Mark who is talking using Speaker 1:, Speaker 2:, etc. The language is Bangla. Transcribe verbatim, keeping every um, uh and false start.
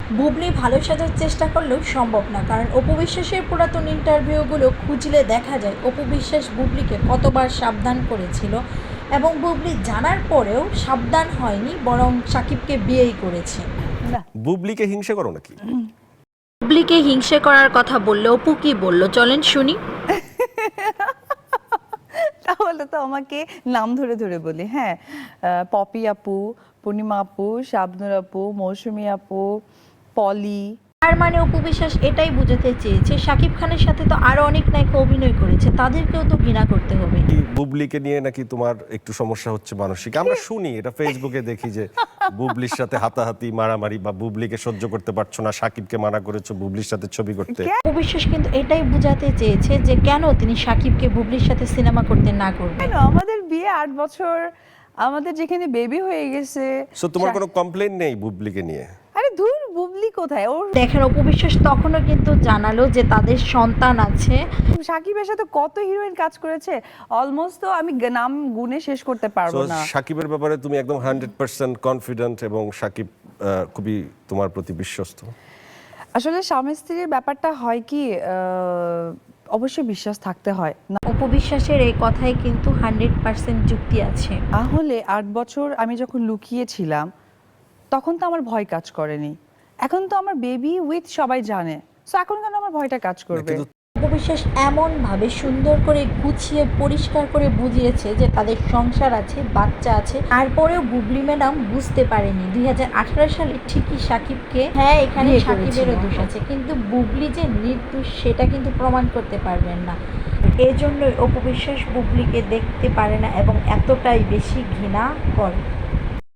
Speaker 1: বুবলি ভালো সাজার চেষ্টা করলেও সম্ভব না, কারণ অপু বিশ্বাসের পুরাতন ইন্টারভিউগুলো খুঁজলে দেখা যায় অপু বিশ্বাস বুবলিকে কতবার সাবধান করেছিল এবং বুবলি জানার পরেও সাবধান হয়নি, বরং সাকিবকে বিয়েই করেছে।
Speaker 2: না
Speaker 3: বুবলিকে হিংসে করো নাকি?
Speaker 1: বুবলিকে হিংসে করার কথা বললে অপু কি বলল চলেন শুনি।
Speaker 2: তাহলে তো আমাকে নাম ধরে ধরে বলি। হ্যাঁ, আহ, পপি আপু, পূর্ণিমা আপু, শাবনুর আপু, মৌসুমী আপু, পলি।
Speaker 1: তার মানে অপু বিশ্বাস এটাই বোঝাতে চেয়েছে সাকিব খানের সাথে তো আরো অনেক নায়িকা অভিনয় করেছে, তাদেরকেও তো ঘৃণা করতে হবে।
Speaker 3: কি বুবলিকে নিয়ে নাকি তোমার একটু সমস্যা হচ্ছে মানসিক? আমরা শুনি এটা, ফেসবুকে দেখি যে বুবলির সাথে হাতাহাতি মারামারি, বা বুবলিকে সহ্য করতে পারছো না, সাকিবকে মানা করেছো বুবলির সাথে ছবি করতে।
Speaker 1: অপু বিশ্বাস কিন্তু এটাই বোঝাতে চেয়েছে যে কেন তিনি সাকিবকে বুবলির সাথে সিনেমা করতে না করবেন।
Speaker 2: কেন আমাদের বিয়ে আট বছর, আমাদের যেখানে বেবি হয়ে গেছে।
Speaker 3: সো তোমার কোনো কমপ্লেইন নেই বুবলিকে নিয়ে?
Speaker 2: আরে ধুর, বুবলি কোথায়? ওর
Speaker 1: দেখেন অপু বিশ্বাস তখনও কিন্তু জানালো যে তাদের সন্তান আছে।
Speaker 2: সাকিবের সাথে কত হিরোইন কাজ করেছে, অলমোস্ট তো আমি গ- নাম গুনে শেষ করতে
Speaker 3: সো
Speaker 2: পারবো না।
Speaker 3: সাকিবের ব্যাপারে তুমি একদম হান্ড্রেড পার্সেন্ট কনফিডেন্ট এবং সাকিব আহ, খুবই তোমার প্রতি বিশ্বস্ত।
Speaker 2: আসলে স্বামী স্ত্রীর ব্যাপারটা হয় কি, আহ, অবশ্যই বিশ্বাস থাকতে হয় না
Speaker 1: অপু বিশ্বাসের এই কথায় কিন্তু হান্ড্রেড পার্সেন্ট যুক্তি আছে।
Speaker 2: তাহলে আট বছর আমি যখন লুকিয়েছিলাম তখন তো আমার ভয় কাজ করেনি। এখন তো আমার বেবি উইথ সবাই জানে, সো এখন কেন আমার ভয়টা কাজ করবে?
Speaker 3: কিন্তু
Speaker 1: অপু বিশ্বাস এমনভাবে সুন্দর করে গুছিয়ে পরিষ্কার করে বুঝিয়েছে যে তাদের সংসার আছে, বাচ্চা আছে, তারপরেও বুবলি ম্যাডাম বুঝতে পারেনি দুই হাজার আঠারো সালে ঠিকই সাকিবকে, হ্যাঁ এখানে
Speaker 2: বিয়ে
Speaker 1: সাকিবেরও
Speaker 2: করেছিল।
Speaker 1: দোষ আছে, কিন্তু বুবলি যে নির্দোষ সেটা কিন্তু প্রমাণ করতে পারবেন না। এজন্যই অপু বিশ্বাস বুবলিকে দেখতে পারে না এবং এতটাই বেশি ঘৃণা করে।